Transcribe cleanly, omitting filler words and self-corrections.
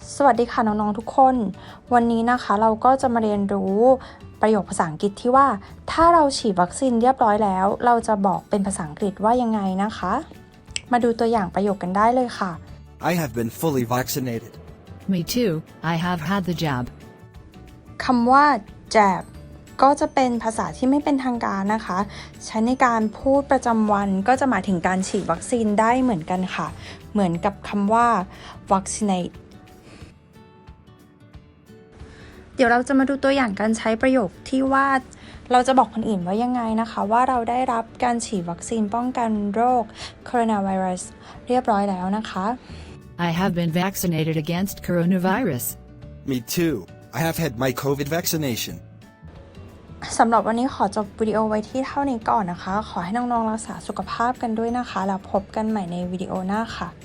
สวัสดีค่ะน้องๆทุกคนวันนี้นะคะเราก็จะมาเรียนรู้ประโยคภาษาอังกฤษที่ว่าถ้าเราฉีดวัคซีนเรียบร้อยแล้วเราจะบอกเป็นภาษาอังกฤษว่ายังไงนะคะมาดูตัวอย่างประโยคกันได้เลยค่ะ I have been fully vaccinated. Me too, I have had the jab. คำว่า jab ก็จะเป็นภาษาที่ไม่เป็นทางการนะคะใช้ในการพูดประจำวันก็จะหมายถึงการฉีดวัคซีนได้เหมือนกันค่ะเหมือนกับคำว่า vaccinateเดี๋ยวเราจะมาดูตัวอย่างการใช้ประโยคที่ว่าเราจะบอกคนอื่นว่ายังไงนะคะว่าเราได้รับการฉีดวัคซีนป้องกันโรคโคโรนาไวรัสเรียบร้อยแล้วนะคะ I have been vaccinated against coronavirus. Me too. I have had my COVID vaccination. สำหรับวันนี้ขอจบวิดีโอไว้ที่เท่านี้ก่อนนะคะขอให้น้องๆรักษาสุขภาพกันด้วยนะคะแล้วพบกันใหม่ในวิดีโอหน้าค่ะ